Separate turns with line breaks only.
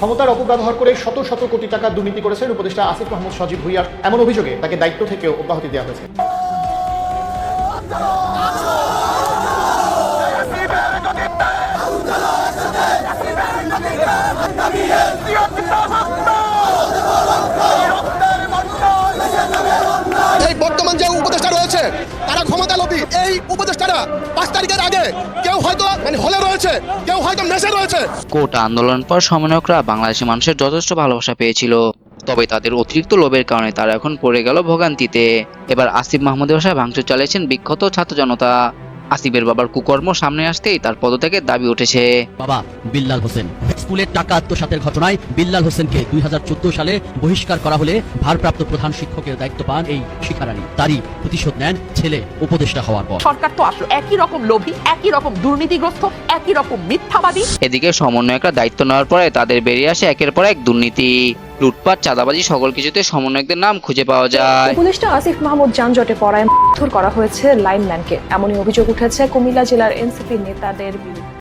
ক্ষমতার অপব্যবহার করে শত শত কোটি টাকা দুর্নীতি করেছেন উপদেষ্টা আসিফ মাহমুদ সজীব ভুঁইয়ার, এমন অভিযোগে তাকে দায়িত্ব থেকেও অব্যাহতি দেওয়া হয়েছে।
এই বর্তমান যে উপদেষ্টা রয়েছে তারা ক্ষমতা লোভী। এই উপদেষ্টারা 5 তারিখের আগে কেউ হয়তো হলে রয়েছে, কেউ হয়তো মেসে রয়েছে।
কোটা আন্দোলন পর সমন্বয়করা বাংলাদেশের মানুষের যথেষ্ট ভালোবাসা পেয়েছিল, তবে তাদের অতিরিক্ত লোভের কারণে তারা এখন পড়ে গেল ভোগান্তিতে। এবার আসিফ মাহমুদের বাসায় ভাঙচুর চালিয়েছেন বিক্ষত ছাত্র জনতা। আসিফের বাবার কুকর্ম সামনে আসতেই তার পদত্যাগের দাবি উঠেছে।
বাবা বিল্লাল হোসেন স্কুলের টাকা আত্মসাতের ঘটনায় বিল্লাল হোসেনকে 2014 সালে বহিষ্কার করা হলে ভারপ্রাপ্ত প্রধান শিক্ষকের দায়িত্ব পান এই শিক্ষারানী। তারই প্রতিশোধ নেন ছেলে উপদেষ্টা হওয়ার পর।
সরকার তো আসলে একই রকম লোভী, একই রকম দুর্নীতিগ্রস্ত, একই রকম মিথ্যাবাদী।
এদিকে সমন্বয়করা দায়িত্ব নেওয়ার পরে তাদের বেরিয়ে আসে একের পর এক দুর্নীতি, লুটপাট, চাঁদাবাজি, সকল কিছুতে সমন্বয়কদের নাম খুঁজে পাওয়া যায়।
উপদেষ্টা আসিফ মাহমুদ যানজটে পড়ায় মারধর করা হয়েছে লাইনম্যানকে, এমনই অভিযোগ উঠেছে কুমিল্লা জেলার এনসিপি নেতাদের বিরুদ্ধে।